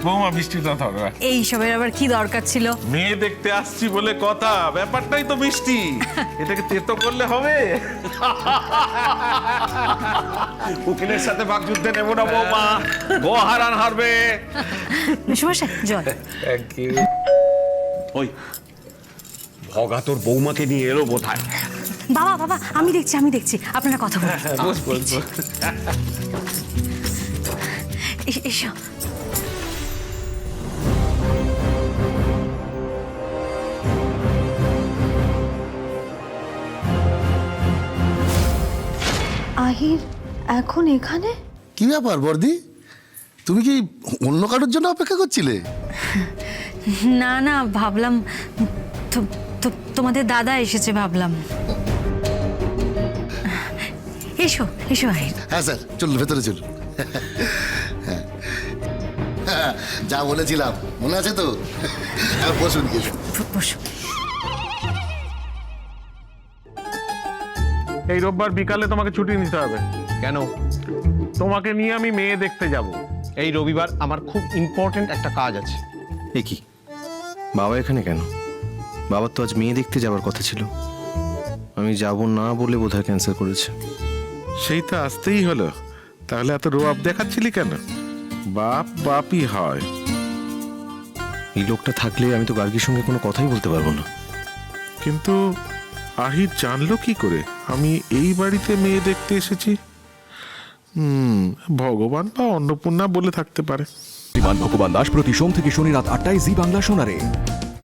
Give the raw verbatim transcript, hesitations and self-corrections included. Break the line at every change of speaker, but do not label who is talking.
বৌমা মিষ্টিটা ধরো।
এই সবের আবার কি দরকার ছিল?
মেয়ে দেখতে আসছি বলে কথা, ব্যাপারটাই তো মিষ্টি। এটাকে তেতো করলে হবে? উকিলের সাথে বাকযুদ্ধে নেব না বৌমা, গো হারান হারবে।
মেশমশাই জল।
Thank you.
ওই ভগা তোর বৌমাকে নিয়ে এলো বোধহয়।
বাবা বাবা আমি দেখছি আমি দেখছি আপনারা কথা বলুন।
বস বস বস।
এ- এসো।
আহির এখন এখানে?
কি ব্যাপার বর্দি, তুমি কি অন্য কারোর জন্য অপেক্ষা করছিলে?
না না ভাবলাম তো- তো- তোমাদের দাদা এসেছে ভাবলাম। এসো এসো আহির।
হ্যাঁ স্যার, চলুন ভেতরে চলুন। হ্যাঁ। হ্যাঁ, যা বলেছিলাম মনে আছে তো? হ্যাঁ, বসুন কিছু।
বসো।
এই রোববার বিকালে তোমাকে ছুটি নিতে হবে।
কেন?
তোমাকে নিয়ে আমি মেয়ে দেখতে যাব।
এই রবিবার আমার খুব ইম্পর্টেন্ট একটা কাজ আছে।
এ কি, বাবা এখানে কেন? বাবার তো আজ মেয়ে দেখতে যাওয়ার কথা ছিল। আমি যাব না বলে বোধহয় ক্যান্সেল করেছে।
সেই তো আসতেই হলো, তাহলে এত রোয়াব দেখাচ্ছিলি কেন? বাপ বাপই হয়।
এই লোকটা থাকলে আমি তো গার্গীর সঙ্গে কোনো কথাই বলতে পারবো না।
কিন্তু আহির জানলো কি করে আমি এই বাড়িতে মেয়ে দেখতে এসেছি? হুম, ভগবান বা অন্নপূর্ণা বলে থাকতে পারে।
বিমান ভগবান দাস প্রতি সোম থেকে শনি রাত আটটায় জি বাংলা শোনারে।